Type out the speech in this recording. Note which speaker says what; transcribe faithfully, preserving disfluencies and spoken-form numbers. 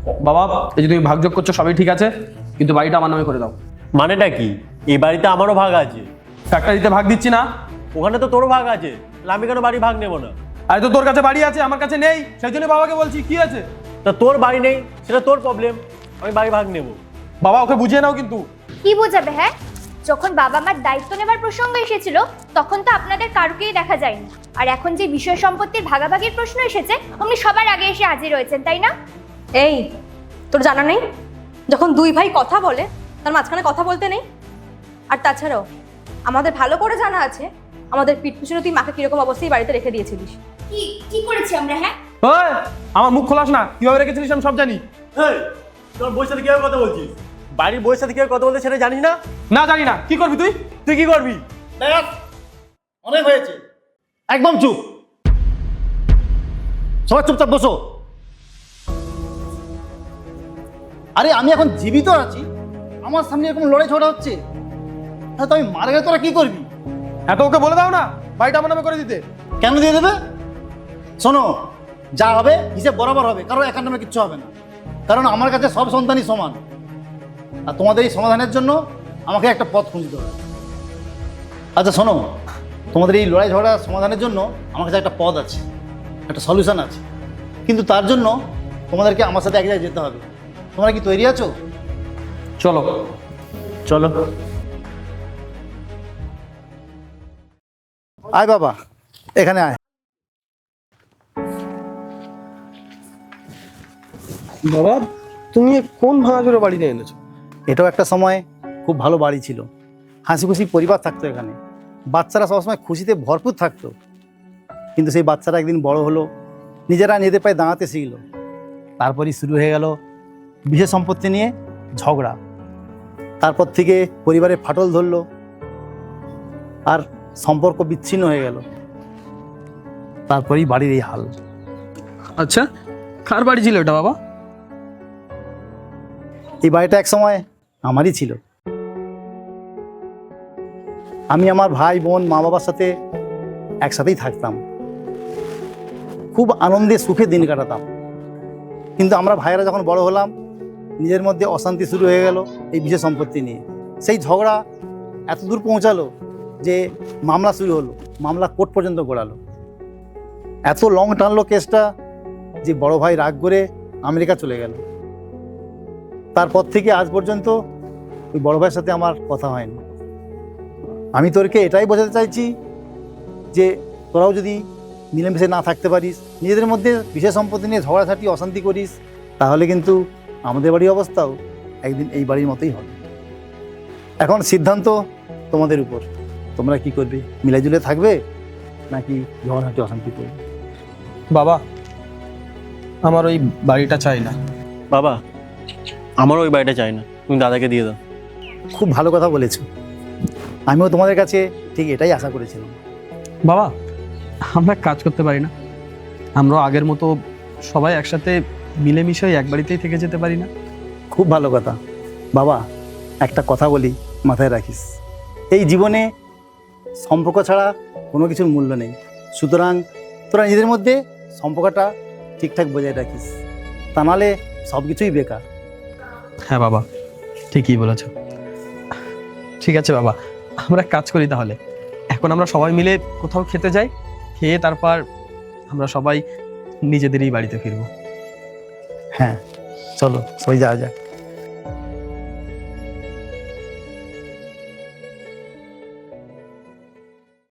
Speaker 1: বাবা এই যে তুমি ভাগযোগ করছো সবই ঠিক আছে, কিন্তু বাড়িটা আমার নামে করে দাও।
Speaker 2: মানেটা কি? এই বাড়িতে আমারও ভাগ আছে।
Speaker 1: ফ্যাক্টরিতে ভাগ দিচ্ছি না?
Speaker 2: ওখানে তো তোরও ভাগ আছে, আমি কেন বাড়ি ভাগ নেবো না?
Speaker 1: আরে তো তোর কাছে বাড়ি আছে, আমার কাছে নেই, সেই জন্য বাবাকে বলছি কি আছে।
Speaker 2: তা তোর বাড়ি নেই সেটা তোর প্রবলেম, আমি বাড়ি ভাগ নেবো।
Speaker 1: বাবা ওকে বুঝিয়ে নাও কিন্তু।
Speaker 3: কি বোঝাবে? হ্যাঁ, যখন বাবা মার দায়িত্ব নেবার প্রসঙ্গ এসেছিল তখন তো আপনাদের কারুকেই দেখা যায়নি, আর এখন যে বিষয় সম্পত্তির ভাগাভাগির প্রশ্ন এসেছে আপনি সবার আগে এসে হাজির হয়েছেন, তাই না?
Speaker 4: এই তোর জানা নেই, যখন দুই ভাই কথা বলে তার মাঝখানে কথা বলতে নেই? আর তাছাড়াও আমাদের ভালো করে জানা আছে আমাদের পিঠ পিছনে তুই মাকে কিরকম অবস্থায় বাড়িতে রেখে দিয়েছিলিস।
Speaker 3: কি কি করেছি আমরা? হ্যাঁ,
Speaker 1: ওই আমার মুখ খোলাস না, কিভাবে রেখেছিলিস আমি সব জানি।
Speaker 2: এই তোর বউয়ের সাথে কিভাবে কথা বলছিস? বাড়ির বউয়ের সাথে কিভাবে কথা বলতে সেটা জানিস না?
Speaker 1: না জানি না, কি করবি তুই?
Speaker 2: তুই কি করবি?
Speaker 5: ব্যাস, অনেক হয়েছে, একদম চুপ। সবাই চুপচাপ বসো। আরে আমি এখন জীবিত আছি, আমার সামনে এরকম লড়াই ঝগড়া হচ্ছে, হ্যাঁ তো আমি মারা গেলে তোরা কি করবি?
Speaker 1: এত ওকে বলে দাও না বাড়িটা আমার নামে করে দিতে।
Speaker 5: কেন দিয়ে দেবে? শোনো, যা হবে হিসেব বরাবর হবে, কারণ একার নামে কিচ্ছু হবে না, কারণ আমার কাছে সব সন্তানই সমান। আর তোমাদের এই সমাধানের জন্য আমাকে একটা পথ খুঁজতে হবে। আচ্ছা শোনো, তোমাদের এই লড়াই ঝগড়া সমাধানের জন্য আমার কাছে একটা পথ আছে, একটা সলিউশন আছে, কিন্তু তার জন্য তোমাদেরকে আমার সাথে এক জায়গায় যেতে হবে। তোমরা কি তৈরি আছো?
Speaker 1: চলো
Speaker 2: চলো।
Speaker 5: আয় বাবা, এখানে আয়।
Speaker 1: বাবা তুমি কোন ভাঙাচোরা বাড়িতে এনেছো?
Speaker 5: এটাও একটা সময় খুব ভালো বাড়ি ছিল, হাসি খুশি পরিবার থাকতো এখানে, বাচ্চারা সবসময় খুশিতে ভরপুর থাকতো। কিন্তু সেই বাচ্চারা একদিন বড় হলো, নিজেরা নিজেদের পায়ে দাঁড়াতে শিখলো, তারপরই শুরু হয়ে গেল বিশেষ সম্পত্তি নিয়ে ঝগড়া। তারপর থেকে পরিবারে ফাটল ধরলো আর সম্পর্ক বিচ্ছিন্ন হয়ে গেল, তারপরেই বাড়ির এই হাল।
Speaker 1: আচ্ছা কার বাড়ি ছিল এটা বাবা?
Speaker 5: এই বাড়িটা এক সময় আমারই ছিল। আমি আমার ভাই বোন মা বাবার সাথে একসাথেই থাকতাম, খুব আনন্দে সুখে দিন কাটাতাম। কিন্তু আমরা ভাইয়েরা যখন বড় হলাম, নিজের মধ্যে অশান্তি শুরু হয়ে গেল এই বিশেষ সম্পত্তি নিয়ে। সেই ঝগড়া এত দূর পৌঁছালো যে মামলা শুরু হলো, মামলা কোর্ট পর্যন্ত গড়ালো। এত লং টানলো কেসটা যে বড় ভাই রাগ করে আমেরিকা চলে গেল। তারপর থেকে আজ পর্যন্ত ওই বড় ভাইয়ের সাথে আমার কথা হয়নি। আমি তোরকে এটাই বোঝাতে চাইছি যে তোরাও যদি মিলেমিশে না থাকতে পারিস, নিজেদের মধ্যে বিশেষ সম্পত্তি নিয়ে ঝগড়াঝাটি অশান্তি করিস, তাহলে কিন্তু আমাদের বাড়ির অবস্থাও একদিন এই বাড়ির মতোই হবে। এখন সিদ্ধান্ত তোমাদের উপর, তোমরা কি করবে? মিলাইজুলে থাকবে নাকি ঝগড়াঝাটি অশান্তি করবে?
Speaker 1: বাবা আমার ওই বাড়িটা চাই না।
Speaker 2: বাবা আমারও ওই বাড়িটা চাই না, তুমি দাদাকে দিয়ে দাও।
Speaker 5: খুব ভালো কথা বলেছো, আমিও তোমাদের কাছে ঠিক এটাই আশা করেছিলাম।
Speaker 1: বাবা আমরা কাজ করতে পারি না? আমরা আগের মতো সবাই একসাথে মিলেমিশে এক বাড়িতেই থেকে যেতে পারি না?
Speaker 5: খুব ভালো কথা বাবা, একটা কথা বলি মাথায় রাখিস, এই জীবনে সম্পর্ক ছাড়া কোনো কিছুর মূল্য নেই। সুতরাং তোরা নিজেদের মধ্যে সম্পর্কটা ঠিকঠাক বজায় রাখিস, তা নাহলে সব কিছুই বেকার।
Speaker 1: হ্যাঁ বাবা ঠিকই বলেছ। ঠিক আছে বাবা, আমরা কাজ করি তাহলে। এখন আমরা সবাই মিলে কোথাও খেতে যাই, খেয়ে তারপর আমরা সবাই নিজেদেরই বাড়িতে ফিরবো।
Speaker 5: হ্যাঁ চলো, সবাই যাওয়া যাক।